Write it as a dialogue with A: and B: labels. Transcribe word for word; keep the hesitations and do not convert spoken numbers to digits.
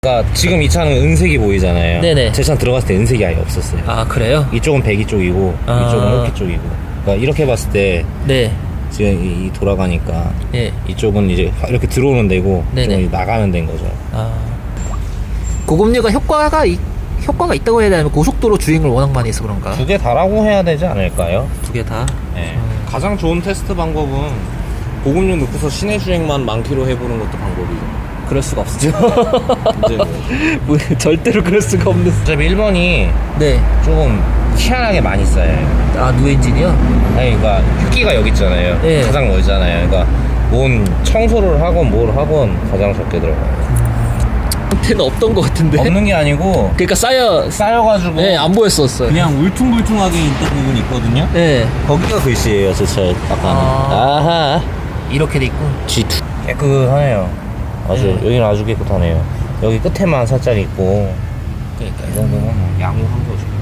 A: 그러니까 지금 이 차는 은색이 보이잖아요.
B: 네네.
A: 제 차는 들어갔을 때 은색이 아예 없었어요.
B: 아 그래요?
A: 이쪽은 배기 쪽이고
B: 아.
A: 이쪽은 홀키 쪽이고. 그러니까 이렇게 봤을 때
B: 네.
A: 지금 이, 이 돌아가니까
B: 예.
A: 이쪽은 이제 이렇게 들어오는 데고
B: 네네.
A: 이쪽은 나가는 데인 거죠.
B: 아 고급류가 효과가 이, 효과가 있다고 해야 되나요? 고속도로 주행을 워낙 많이 해서 그런가?
A: 두 개 다라고 해야 되지 않을까요?
B: 두 개 다.
A: 네. 가장 좋은 테스트 방법은 고급류 넣고서 시내 주행만 만 킬로 해보는 것도 방법이죠.
B: 그럴 수가 없죠.
A: 이제 뭐
B: 뭐, 절대로 그럴 수가 없는.
A: 어차피 일 번이
B: 네.
A: 조금 희한하게 많이 쌓여요.
B: 아 누엔진이요?
A: 아니 그러니까 흡기가 여기 있잖아요.
B: 네.
A: 가장 멀잖아요. 그러니까 뭔 청소를 하건 뭘 하건 가장 적게 들어가요.
B: 한테는 없던 것 같은데.
A: 없는 게 아니고
B: 그러니까 쌓여.
A: 쌓여가지고
B: 네, 안 보였었어요.
A: 그냥 울퉁불퉁하게 있던 부분이 있거든요.
B: 네.
A: 거기가 글씨예요. 제 차에 딱 가면.
B: 아.
A: 아하.
B: 이렇게 돼 있고.
A: 지 깨끗하네요. 아주
B: 네.
A: 여기는 아주 깨끗하네요. 여기 끝에만 살짝 있고
B: 그러니까요.
A: 이 정도면 뭐 양호한 거죠.